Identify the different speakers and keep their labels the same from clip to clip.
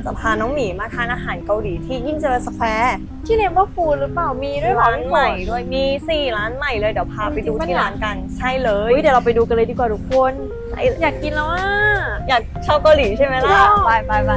Speaker 1: จะพาน้องหมีมาทานอาหารเกาหลีที่ยิ่งเจริญสแควร์
Speaker 2: ที่เนมว่าฟูดหรือเปล่ามีด้วยเหรอ
Speaker 1: ร้านใหม่ด้วยมี4ร้านใหม่เลยเดี๋ยวพาไปดูที่ร้านกันใช่เลย
Speaker 2: เดี๋ยวเราไปดูกันเลยดีกว่าทุกคนอยากกินแล้วอ่ะ
Speaker 1: อยากชอบเกาหลีใช่ไหมล่ะ
Speaker 2: ชอบ
Speaker 1: ไป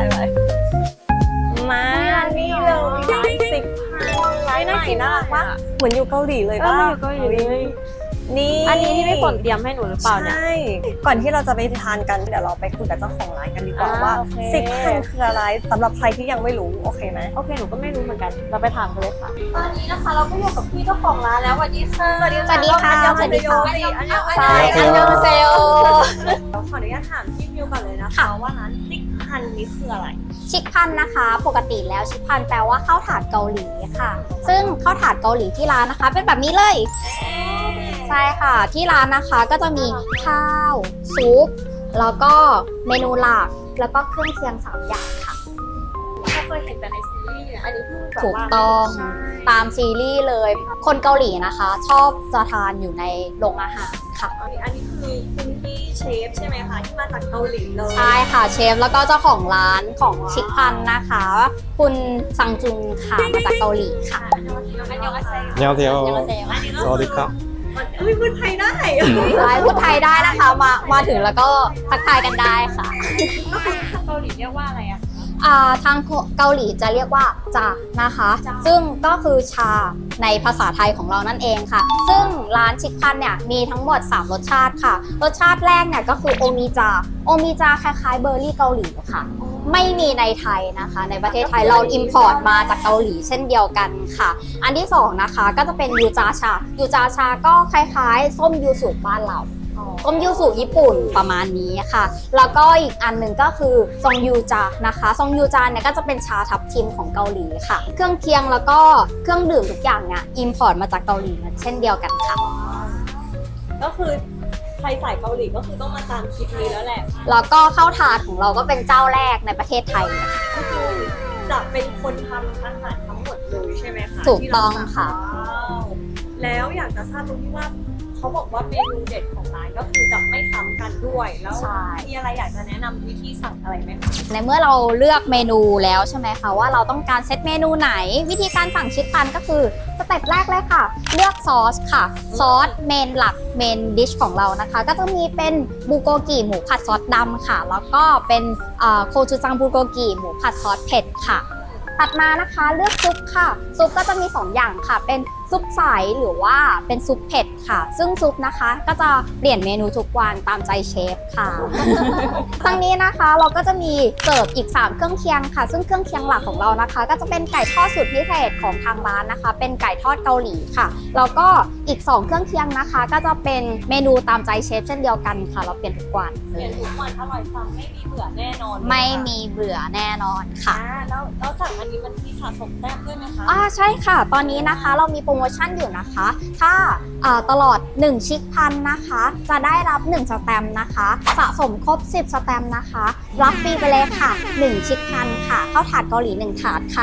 Speaker 1: มานี่เลยร้านซิกพันร้านใหม่น่ารักมากเหมือนอยู่เกาหลีเลยป่ะ
Speaker 2: อยู่เกาหลีเลย
Speaker 1: นี่
Speaker 2: อันนี้ที่พี่ฝนเตรียมให้หนูหรือเปล่าเนี่ย
Speaker 1: ใช่ก่อนที่เราจะไปทานกันเดี๋ยวเราไปคุยกับเจ้าของร้านกันดีกว่าว่า
Speaker 2: โอเค
Speaker 1: ซิกพันคืออะไรสำหรับใครที่ยังไม่รู้โอเคไหม
Speaker 2: โอเคหนูก็ไม่รู้เหมือนกันเราไปถามกันเลยค่ะตอนนี้นะคะเราก็อยู่กับพี่เจ้าของร้านแล้วสวัสดีค่ะ
Speaker 1: สวัสดีค่ะ
Speaker 2: อันยอง
Speaker 1: สวัสดีค่ะ
Speaker 2: อันยอง
Speaker 1: อันยอง
Speaker 2: ใช่อันยองเซล
Speaker 1: ขออนุญาตถามพี่มิวก่อนเลยนะคะว่าร้านซิกพันนี่คืออะไร
Speaker 3: ชิคพันนะคะปกติแล้วชิคพันแปลว่าข้าวถาดเกาหลีค่ะ ซึ่งข้าวถาดเกาหลีที่ร้านนะคะ เป็นแบบนี้เลยใช่ค่ะที่ร้านนะคะก็จะมีข้าวซุปแล้วก็เมนูหลักแล้วก็เครื่องเคียง3อย่างค่ะ
Speaker 2: เราเคยเห็นแต่ในซีรีส์เนี่ยอันนี้เพิ่งแบบ
Speaker 3: ถูก
Speaker 2: ว่า
Speaker 3: ต้อง
Speaker 2: ใช่
Speaker 3: ตามซีรีส์เลย คนเกาหลีนะคะ ชอบจะทานอยู่ในโรงอาหารค่ะ
Speaker 1: อันนี้คือคุณพี่เชฟใช่ไหมคะที่มาจากเกาหลีเลย
Speaker 3: ใช่ค่ะเชฟแล้วก็เจ้าของร้านของชิคพันนะคะ คุณซังจุงค่ะมาจากเกาหลีค่ะ
Speaker 1: อันยองอาเซโย
Speaker 4: 안녕하세요.
Speaker 3: สวัสดีค่ะ
Speaker 4: 사와디카.
Speaker 1: พูดไทยได้
Speaker 3: ใช่พูดไทยได้นะคะมาถึงแล้วก็ทักทายกันได้ค่ะ
Speaker 2: เกาหลีเรียกว่าอะไรอะ
Speaker 3: ทางเกาหลีจะเรียกว่าจานะคะ ซึ่งก็คือชาในภาษาไทยของเรานั่นเองค่ะ ซึ่งร้านชิคพันเนี่ยมีทั้งหมด3รสชาติค่ะ รสชาติแรกเนี่ยก็คือโอมิจาคล้ายๆเบอร์รี่เกาหลีค่ะ ไม่มีในไทยนะคะ ในประเทศไทยเราอิมพอร์ตมาจากเกาหลีเช่นเดียวกันค่ะ อันที่2นะคะก็จะเป็นยูจาชาก็คล้ายๆ ส้มยูสุบ้านเราส้มยูสุญี่ปุ่นประมาณนี้ค่ะ แล้วก็อีกอันหนึ่งก็คือซองยูจานะคะซองยูจาเนี่ยก็จะเป็นชาทับทิมของเกาหลีค่ะ เครื่องเคียงแล้วก็เครื่องดื่มทุกอย่างเนี่ยอิมพอร์ตมาจากเกาหลีเช่นเดียวกันค่ะ
Speaker 1: ก็คือใครสายเกาหลีก็คือต้องมาตามคลิปนี้แล้วแหละ
Speaker 3: แล้วก็ข้าวถาดของเราก็เป็นเจ้าแรกในประเทศไทยเลยค่ะ
Speaker 1: ก็คือจะเป็นคนทำอาหารทั้งหมดเลยใช่ไหมคะ
Speaker 3: ถูกต้องค่ะ
Speaker 1: ว้าวแล้วอยากจะทราบตรงที่ว่าเขาบอกว่าเมนูเด็ดของร้านก็คือจะไม่ซ้ำกันด้วยแล้ว
Speaker 3: ใช่
Speaker 1: มีอะไรอยากจะแนะนำวิธีสั่งอะไรไหมคะ
Speaker 3: ในเมื่อเราเลือกเมนูแล้วใช่ไหมคะว่าเราต้องการเซตเมนูไหน วิธีการสั่งชิคพันก็คือสเต็ปแรกเลยค่ะ เลือกซอสค่ะซอสเมนหลักเมนดิชของเรานะคะ ก็จะมีเป็นบูโกกิหมูผัดซอสดำค่ะ แล้วก็เป็นโคจูจังบูโกกิหมูผัดซอสเผ็ดค่ะถัดมานะคะเลือกซุปค่ะซุปก็จะมี2อย่างค่ะเป็นซุปใสหรือว่าเป็นซุปเผ็ดค่ะ ซึ่งซุปนะคะก็จะเปลี่ยนเมนูทุกวันตามใจเชฟค่ะ ทั้งนี้นะคะเราก็จะมีเสิร์ฟอีก3เครื่องเคียงค่ะ ซึ่งเครื่องเคียงหลักของเรานะคะ ก็จะเป็นไก่ทอดสูตรพิเศษของทางร้านนะคะ เป็นไก่ทอดเกาหลีค่ะแล้วก็อีก2เครื่องเคียงนะคะ ก็จะเป็นเมนูตามใจเชฟเช่นเดียวกันค่ะ เราเปลี่ยนทุกวัน
Speaker 1: เปลี่ยนทุกวันอร่อยซ้ำไม่มีเบื่อแน่นอน
Speaker 3: ไม่มีเบื่อแน่นอนค่ะ
Speaker 1: แล้วสั่งอันนี้มันมีสะสมแต้มด้วยไหมคะ
Speaker 3: ใช่ค่ะ ตอนนี้นะคะเรามีโปรโมชั่นอยู่นะคะ ถ้าตลอด1ชิคพันนะคะ จะได้รับ1สแตมป์นะคะ สะสมครบ10สแตมป์นะคะ รับฟรีไปเลยค่ะ1ชิคพันค่ะข้าวถาดเกาหลี1ถาดค่ะ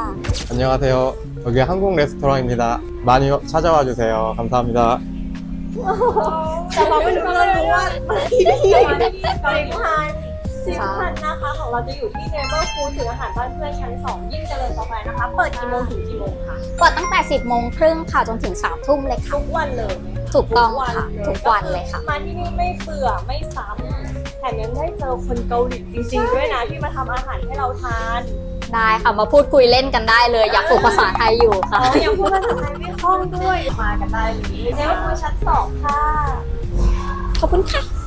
Speaker 4: 안녕하세요. 여기 한국 레스토랑입니다. 많이 찾아와 주세요. 감사합니다.
Speaker 1: แต่เราไม่รู้เลยว่าซิกพันนะคะของเราจะอยู่ที่เนเวอร์ฟูดถึงอาหารบ้านเพื่อนชั้น 2 ยิ่งเจริญสแควร์นะคะ เปิดกี่โมงถึงกี่โมงคะ
Speaker 3: เปิดตั้งแต่ 10 โมงครึ่งค่ะ จนถึง 3 ทุ่มเลยค่ะ
Speaker 1: ทุกวันเลยไหมคะ
Speaker 3: ถูกต้องค่ะ ทุกวันเลยค่ะ
Speaker 1: มาที่นี่ไม่เบื่อไม่ซ้ำแถมยังได้เจอคนเกาหลีจริงๆด้วยนะที่มาทำอาหารให้เราทาน
Speaker 3: ได้ค่ะ มาพูดคุยเล่นกันได้เลย อยากฝึกภาษาไทยอยู่ค่ะ
Speaker 1: ยังพูดภาษาไทยไม่คล่องด้วยมากันได้เลยเนเวอร์ฟูดชั้น 2 ค่ะ
Speaker 3: ขอบคุณค่ะ